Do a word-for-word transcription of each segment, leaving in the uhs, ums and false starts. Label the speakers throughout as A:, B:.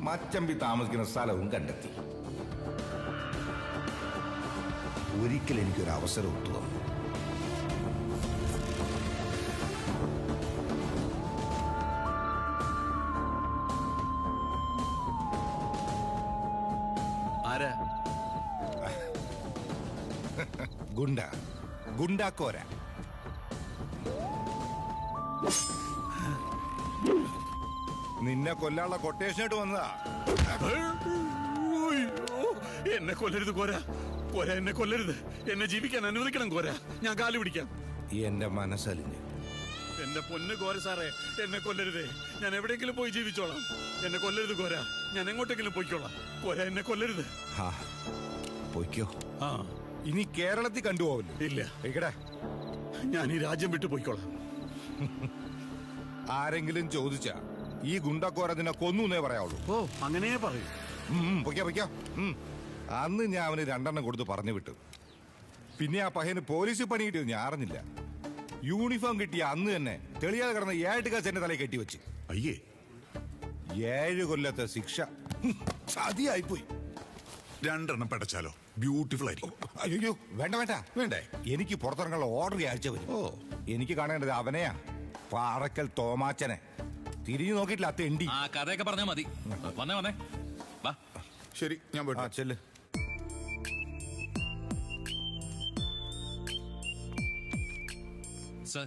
A: മച്ചമ്പി താമസിക്കുന്ന സ്ഥലവും കണ്ടെത്തി. ഒരിക്കൽ എനിക്കൊരു അവസരം ഒത്തു വന്നു.
B: ആരാ?
A: ഗുണ്ട ഗുണ്ടാക്കോര. നിന്നെ കൊല്ലാനുള്ള കൊട്ടേഷനായിട്ട് വന്നതാ.
B: എന്നെ കൊല്ലരുത് കോര, കോര എന്നെ കൊല്ലരുത്. എന്നെ ജീവിക്കാൻ അനുവദിക്കണം കോര. ഞാൻ കാല് പിടിക്കാം.
A: എന്റെ മനസ്സലിഞ്ഞ്.
B: എന്റെ പൊന്ന് കോര സാറേ, എന്നെ കൊല്ലരുതേ. ഞാൻ എവിടെയെങ്കിലും പോയി ജീവിച്ചോളാം. എന്നെ കൊല്ലരുത് കോര. ഞാൻ എങ്ങോട്ടെങ്കിലും പോയിക്കോളാം. കോര എന്നെ കൊല്ലരുത്.
A: പോയിക്കോ.
B: ആ,
A: ഇനി കേരളത്തിൽ കണ്ടുപോവില്ല.
B: ഇല്ല,
A: ഇക്കടെ
B: ഞാൻ ഈ രാജ്യം വിട്ടു പോയിക്കോളാം.
A: ആരെങ്കിലും ചോദിച്ചാ ഈ ഗുണ്ടക്കോര നിന്നെ കൊന്നേ പറയാവുള്ളൂ.
B: ഓ, അങ്ങനെ പറയൂ.
A: പൊയ്ക്കോ പൊയ്ക്കോ. അന്ന് ഞാൻ അവന് രണ്ടെണ്ണം കൊടുത്ത് പറഞ്ഞു വിട്ടു. പിന്നെ ആ പയ്യന് പോലീസ് പണി കിട്ടിയത് ഞാൻ അറിഞ്ഞില്ല. യൂണിഫോം കിട്ടിയ അന്ന് തന്നെ തെളിയാതെ കിടന്ന ഏഴ് കാശ് എന്റെ തലയിൽ കെട്ടിവെച്ച്.
B: അയ്യേ,
A: ഏഴ് കൊല്ലത്തെ ശിക്ഷ ചതിയായിപ്പോയി.
C: രണ്ടെണ്ണം പടച്ചാലോ? ബ്യൂട്ടിഫുൾ ആയിരിക്കും.
A: അയ്യോ, വേണ്ട വേണ്ട വേണ്ടേ. എനിക്ക് പുറത്തിറങ്ങാനുള്ള ഓർഡർ ആഴ്ച വരും. ഓ, എനിക്ക് കാണേണ്ടത് അവനെയാ, പാറക്കൽ തോമാച്ചനെ. തിരിഞ്ഞു നോക്കിയിട്ടില്ല അത്ത എണ്ടി.
D: ആ കഥയൊക്കെ പറഞ്ഞാ മതി. വന്നേ വന്നേ വാ.
C: ശരി, ഞാൻ പോയിട്ട്.
A: ആ ചെല്ല്.
D: സർ.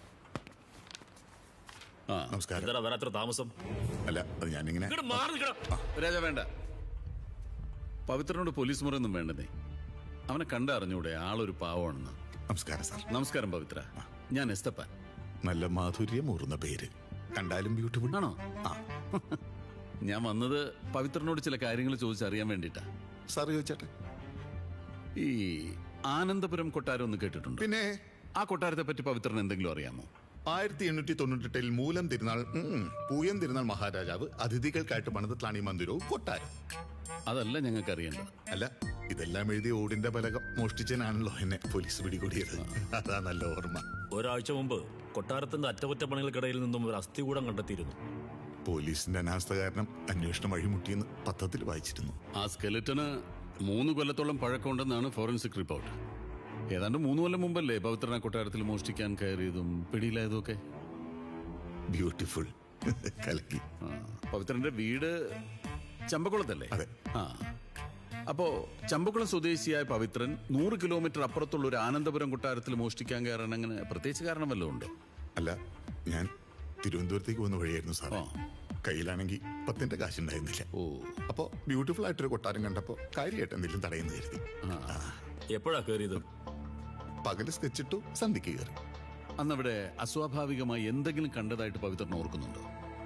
C: ആ, നമസ്കാരം.
D: എന്താ വരാത്ര താമസം?
C: അല്ല, അത് ഞാനിങ്ങനെ.
B: രാജ വേണ്ട. പവിത്രനോട് പോലീസ് മുറയൊന്നും വേണ്ടതേ. അവനെ കണ്ടറിഞ്ഞൂടെ ആളൊരു പാവമാണെന്ന്.
C: നമസ്കാരം സാർ.
B: നമസ്കാരം പവിത്ര. ഞാൻ എസ്തപ്പാൻ.
C: നല്ല മാധുര്യമൂറുന്ന പേര്. കണ്ടാലും ബ്യൂട്ടിഫുൾ
B: ആണോ?
C: ആ.
B: ഞാൻ വന്നത് പവിത്രനോട് ചില കാര്യങ്ങൾ ചോദിച്ചറിയാൻ വേണ്ടിട്ടാ.
C: സാർ ചോദിച്ചട്ടെ.
B: ഈ ആനന്ദപുരം കൊട്ടാരം ഒന്ന് കേട്ടിട്ടുണ്ട്?
C: പിന്നെ
B: ആ കൊട്ടാരത്തെ പറ്റി പവിത്രന് എന്തെങ്കിലും അറിയാമോ?
C: ആയിരത്തി എണ്ണൂറ്റി തൊണ്ണൂറ്റെട്ടിൽ മൂലം തിരുനാൾ പൂയം തിരുനാൾ മഹാരാജാവ് അതിഥികൾക്കായിട്ട് പണിത ത്ലാണി മന്ദിരവും കൊട്ടാരം.
B: അതല്ല ഞങ്ങൾക്ക് അറിയേണ്ടത്.
C: അല്ല, ഇതെല്ലാം എഴുതി ഓടിന്റെ പലകം മോഷ്ടിച്ചനാണല്ലോ എന്നെ പോലീസ് പിടികൂടിയത്. അതാ നല്ല ഓർമ്മ.
E: ഒരാഴ്ച മുമ്പ് കൊട്ടാരത്തിന്റെ അറ്റകുറ്റപ്പണികൾക്കിടയിൽ നിന്നും ഒരു അസ്ഥികൂടം കണ്ടെത്തിയിരുന്നു.
C: പോലീസിന്റെ അനാസ്ഥ കാരണം അന്വേഷണം വഴിമുട്ടിയെന്ന് പത്രത്തിൽ വായിച്ചിരുന്നു.
B: ആ സ്കെലറ്റന് മൂന്ന് കൊല്ലത്തോളം പഴക്കമുണ്ടെന്നാണ് ഫോറൻസിക് റിപ്പോർട്ട്. ഏതാണ്ട് മൂന്ന് കൊല്ലം മുമ്പല്ലേ പവിത്രന കൊട്ടാരത്തിൽ മോഷ്ടിക്കാൻ കയറിയതും പിടിയിലായതും ഒക്കെ?
C: ബ്യൂട്ടിഫുൾ. കലക്കി.
B: പവിത്രന്റെ വീട് ചമ്പക്കുളത്തല്ലേ?
C: അതെ.
B: ആ, അപ്പോ ചമ്പക്കുളം സ്വദേശിയായ പവിത്രൻ നൂറ് കിലോമീറ്റർ അപ്പുറത്തുള്ള ഒരു ആനന്ദപുരം കൊട്ടാരത്തിൽ മോഷ്ടിക്കാൻ കയറാൻ അങ്ങനെ പ്രത്യേകിച്ച് കാരണം വല്ലതും ഉണ്ടോ?
C: അല്ല, ഞാൻ തിരുവനന്തപുരത്തേക്ക് വന്ന വഴിയായിരുന്നു സാറേ. കയ്യിലാണെങ്കിൽ പത്തിന്റെ കാശുണ്ടായിരുന്നില്ല.
B: ഓ,
C: അപ്പോ ബ്യൂട്ടിഫുൾ ആയിട്ടൊരു കൊട്ടാരം കണ്ടപ്പോ കാര്യമായിട്ട് എന്തെങ്കിലും തടയുന്നു കരുതി.
E: എപ്പോഴാ കയറിയത്?
C: പകല് സ്കെച്ചിട്ടു, സന്ധ്യക്ക് കയറി.
B: അന്നവിടെ അസ്വാഭാവികമായി എന്തെങ്കിലും കണ്ടതായിട്ട് പവിത്രൻ ഓർക്കുന്നുണ്ടോ?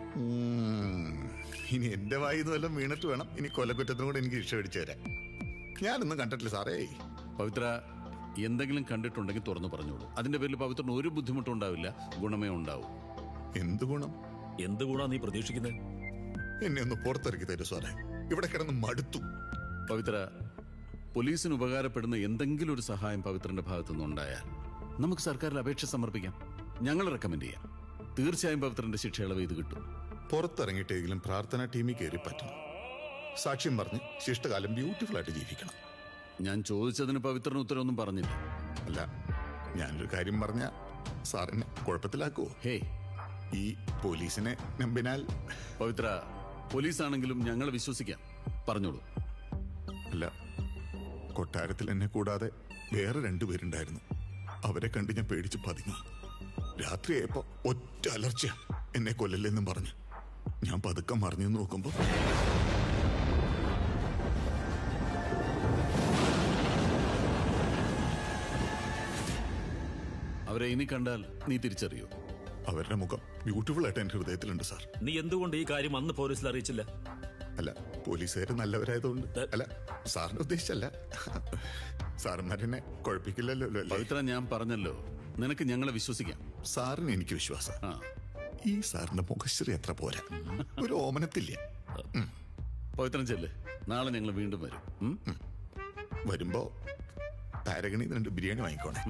C: ഇനി എന്റെ വായിന്ന് വല്ലതും വീണിട്ട് വേണം ഇനി കൊലക്കുറ്റത്തിനും കൂടെ എനിക്ക് ശിക്ഷ മേടിച്ചു തരാൻ. ഞാനൊന്നും കണ്ടിട്ടില്ല സാറേ.
B: പവിത്ര, എന്തെങ്കിലും കണ്ടിട്ടുണ്ടെങ്കിൽ തുറന്നു പറഞ്ഞോളൂ. അതിന്റെ പേരിൽ പവിത്രന് ഒരു ബുദ്ധിമുട്ടും ഉണ്ടാവില്ല, ഗുണമേ ഉണ്ടാവും.
C: എന്ത് ഗുണം?
E: എന്ത് ഗുണാ നീ പ്രതീക്ഷിക്കുന്നത്?
C: എന്നെ ഒന്ന് പുറത്തിറക്കി തരൂ സാറേ. ഇവിടെ കിടന്ന് മടുത്തു.
B: പവിത്ര, പോലീസിന് ഉപകാരപ്പെടുന്ന എന്തെങ്കിലും ഒരു സഹായം പവിത്രന്റെ ഭാഗത്തുനിന്ന് ഉണ്ടായാൽ നമുക്ക് സർക്കാരിൽ അപേക്ഷ സമർപ്പിക്കാം. ഞങ്ങൾ റെക്കമെൻഡ് ചെയ്യാം. തീർച്ചയായും പവിത്രന്റെ ശിക്ഷ ഇളവ് ഇത് കിട്ടും.
C: പുറത്തിറങ്ങിയിട്ടെങ്കിലും പ്രാർത്ഥനാ ടീമിൽ കയറി പറ്റണം. സാക്ഷ്യം പറഞ്ഞ് ശിഷ്ടകാലം ബ്യൂട്ടിഫുൾ ആയിട്ട് ജീവിക്കണം.
B: ഞാൻ ചോദിച്ചതിന് പവിത്രന് ഉത്തരവൊന്നും പറഞ്ഞില്ല.
C: അല്ല, ഞാനൊരു കാര്യം പറഞ്ഞ സാറിനെ കുഴപ്പത്തിലാക്കുവോ?
B: ഹേ,
C: ഈ പോലീസിനെ നമ്പിനാൽ.
B: പവിത്ര, പോലീസാണെങ്കിലും ഞങ്ങൾ വിശ്വസിക്കാം. പറഞ്ഞോളൂ.
C: അല്ല, കൊട്ടാരത്തിൽ എന്നെ കൂടാതെ വേറെ രണ്ടുപേരുണ്ടായിരുന്നു. അവരെ കണ്ട് ഞാൻ പേടിച്ച് പതുങ്ങി. രാത്രിയായപ്പോ ഒറ്റ അലർച്ച എന്നെ കൊല്ലല്ലെന്നും പറഞ്ഞു. ഞാൻ പതുക്കം മറിഞ്ഞു നോക്കുമ്പോ
B: അവരെ ഇനി കണ്ടാൽ നീ തിരിച്ചറിയോ?
C: അവരുടെ മുഖം ബ്യൂട്ടിഫുൾ ആയിട്ട് എന്റെ ഹൃദയത്തിലുണ്ട് സാർ.
E: നീ എന്തുകൊണ്ട് ഈ കാര്യം അന്ന് പോലീസിൽ അറിയിച്ചില്ല?
C: അല്ല, പോലീസുകാര് നല്ലവരായതുകൊണ്ട്. അല്ല, സാറിനെ ഉദ്ദേശിച്ചല്ല. സാറന്മാരെന്നെ കുഴപ്പിക്കില്ലല്ലോ.
B: പവിത്ര, ഞാൻ പറഞ്ഞല്ലോ, നിനക്ക് ഞങ്ങളെ വിശ്വസിക്കാം.
C: സാറിന് എനിക്ക് വിശ്വാസം. ഈ സാറിന്റെ മുഖശ്രീ എത്ര പോരാ, ഒരു ഓമനത്തില്ല.
B: പവിത്രൻ ചെല്ല്, നാളെ ഞങ്ങൾ വീണ്ടും വരും.
C: വരുമ്പോ പാരഗണി രണ്ട് ബിരിയാണി വാങ്ങിക്കോണേ.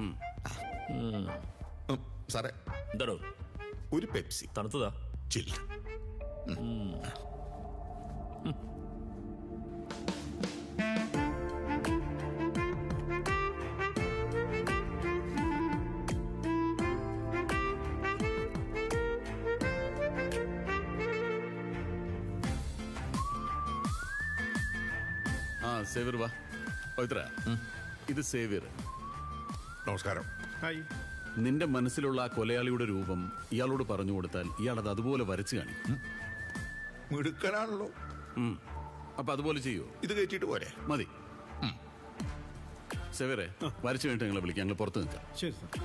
C: സാറേ,
E: എന്താടോ?
C: ഒരു പെപ്സി.
E: തണുത്തതാ?
C: ചില്ല.
B: ആ സേവിയർ വാ. പവിത്ര, ഇത് സേവിയർ.
A: നമസ്കാരം.
F: ഹായ്.
B: നിന്റെ മനസ്സിലുള്ള ആ കൊലയാളിയുടെ രൂപം ഇയാളോട് പറഞ്ഞു കൊടുത്താൽ ഇയാൾ അത് അതുപോലെ വരച്ചു കാണിക്കും.
C: മിടുക്കനാണല്ലോ.
B: ഉം. അപ്പൊ അതുപോലെ ചെയ്യോ?
C: ഇത് കയറ്റിയിട്ട് പോരെ?
B: മതി. സേവിയറെ, വരച്ചു കഴിഞ്ഞിട്ട് ഞങ്ങളെ വിളിക്കാം. ഞങ്ങൾ പുറത്ത് നിൽക്കാം.
F: ശരി സാർ.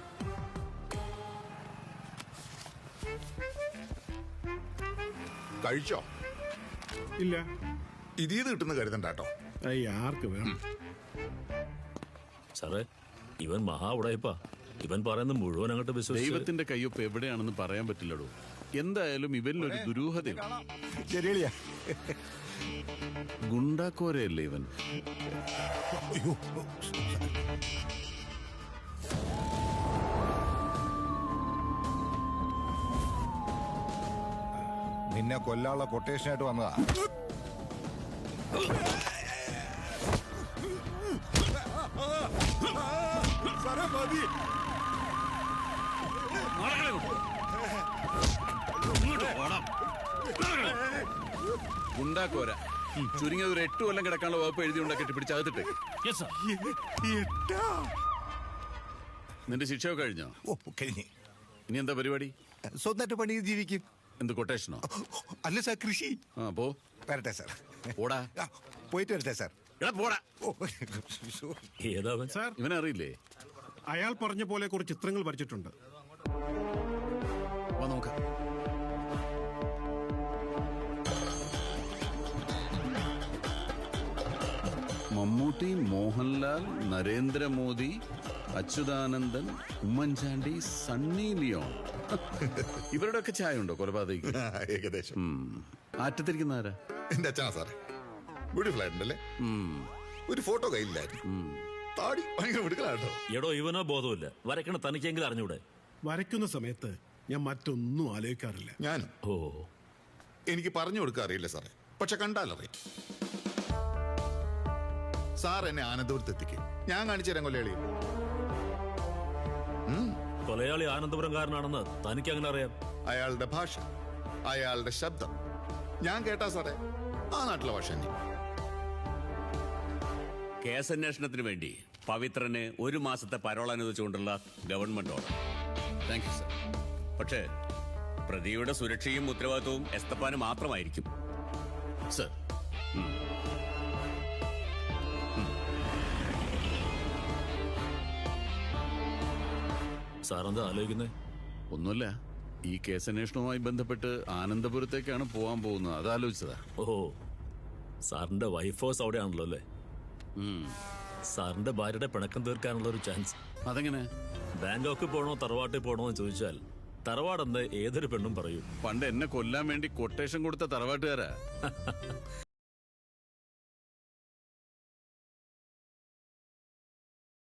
C: കഴിച്ചോ?
F: ഇല്ല.
C: ഇതീത് കിട്ടുന്ന കരുതണ്ടാട്ടോ.
F: അയ്യ, ആർക്ക് വേണം?
E: സാറേ, ഇവൻ മഹാ ഉടായിപ്പാ. ഇവൻ പറയുന്നത് മുഴുവൻ അങ്ങോട്ട് വിശ്വസിച്ച്
B: ദൈവത്തിന്റെ കയ്യൊപ്പ് എവിടെയാണെന്ന് പറയാൻ പറ്റില്ലടോ. എന്തായാലും ഇവനിലൊരു ദുരൂഹതയുണ്ട്.
A: ശരിയളിയാ.
B: ഗുണ്ടാക്കോരയല്ലേ ഇവൻ?
A: അയ്യോ. നിന്നെ കൊല്ലാനുള്ള കൊട്ടേഷനായിട്ട് വന്നതാ.
B: ഗുണ്ടാക്കോര ചുരുങ്ങിയത് ഒരു എട്ട് കൊല്ലം കിടക്കാനുള്ള വകുപ്പ് എഴുതി ഉണ്ടാക്കിട്ട് പിടിച്ച് അകത്തിട്ട്.
E: Yes, sir.
B: നിന്റെ ശിക്ഷയൊക്കെ കഴിഞ്ഞോ?
A: ഓ, കഴിഞ്ഞ്.
B: ഇനി എന്താ പരിപാടി?
A: സ്വന്തമായിട്ട് പണി ജീവിക്കും.
B: എന്ത് കൊട്ടേഷനോ?
A: അല്ല സാർ, കൃഷി.
B: ആ പോ.
A: വരട്ടെ സാർ.
B: പോടാ.
A: ആ, പോയിട്ട് വരട്ടെ സാർ.
B: എടാ പോടാ.
A: ഓ,
E: ഏതാ അവൻ?
F: സാർ,
B: ഇവനെ അറിയില്ലേ?
F: അയാൾ പറഞ്ഞ പോലെ കുറച്ച് ചിത്രങ്ങൾ വരച്ചിട്ടുണ്ട്.
B: വാ നോക്കാം. മമ്മൂട്ടി, മോഹൻലാൽ, നരേന്ദ്രമോദി, അച്യുതാനന്ദൻ, ഉമ്മൻചാണ്ടി, സണ്ണി ലിയോൺ. ഇവരുടെയൊക്കെ ചായ ഉണ്ടോ കൊലപാതകയ്ക്ക്?
C: ആ, ഏകദേശം.
B: ആറ്റത്തിരിക്കുന്ന ആരാ?
C: എന്റെ അച്ഛനാ സാറേ. ബ്യൂട്ടിഫുൾ ആയിട്ടുണ്ടല്ലേ? ഒരു ഫോട്ടോ കയ്യിലായിരുന്നു. താടി ഭയങ്കര മിടുക്കലാട്ടോ.
E: എടോ, ഇവനോ ബോധമില്ല. വരക്കണ തനിക്കെങ്കിലും അറിഞ്ഞൂടെ?
F: വരയ്ക്കുന്ന സമയത്ത് ഞാൻ മറ്റൊന്നും ആലോചിക്കാറില്ല.
C: ഞാനും
E: ഓ,
C: എനിക്ക് പറഞ്ഞു കൊടുക്കാൻ അറിയില്ല സാറേ, പക്ഷെ കണ്ടാലറിയാം. സാർ എന്നെ ആനന്ദപുരത്ത് എത്തിക്കും. ഞാൻ കാണിച്ചു തരാം കൊല്ലയാളി.
E: കൊലയാളി ആനന്ദപുരംകാരനാണെന്ന് തനിക്ക് അങ്ങനെ അറിയാം?
C: അയാളുടെ ഭാഷ, അയാളുടെ ശബ്ദം ഞാൻ കേട്ടാ സാറേ ആ നാട്ടിലെ ഭാഷ തന്നെ.
G: കേസന്വേഷണത്തിന് വേണ്ടി പവിത്രന് ഒരു മാസത്തെ പരോൾ അനുവദിച്ചുകൊണ്ടുള്ള government order.
B: Thank you sir.
G: പക്ഷേ പ്രതിയുടെ സുരക്ഷയും ഉത്തരവാദിത്വവും എസ്തപ്പാന് മാത്രമായിരിക്കും.
B: സർ,
E: സാറെന്താ ആലോചിക്കുന്നേ?
B: ഒന്നുമില്ല. ഈ കേസന്വേഷണവുമായി ബന്ധപ്പെട്ട് ആനന്ദപുരത്തേക്കാണ് പോകാൻ പോകുന്നത്. അതാലോചിച്ചതാ.
E: ഓഹോ, സാറിന്റെ വൈഫ് ഹൗസ് അവിടെയാണല്ലോ അല്ലേ? സാറിന്റെ ഭാര്യയുടെ പിണക്കം തീർക്കാനുള്ള ഒരു ചാൻസ്.
B: അതെങ്ങനെ?
E: ബാങ്കോക്കിൽ പോണോ തറവാട്ടിൽ പോണോ എന്ന് ചോദിച്ചാൽ തറവാടെന്ന് ഏതൊരു പെണ്ണും പറയും.
B: പണ്ട് എന്നെ കൊല്ലാൻ വേണ്ടി കൊട്ടേഷൻ കൊടുത്ത തറവാട്ടുകാരാ.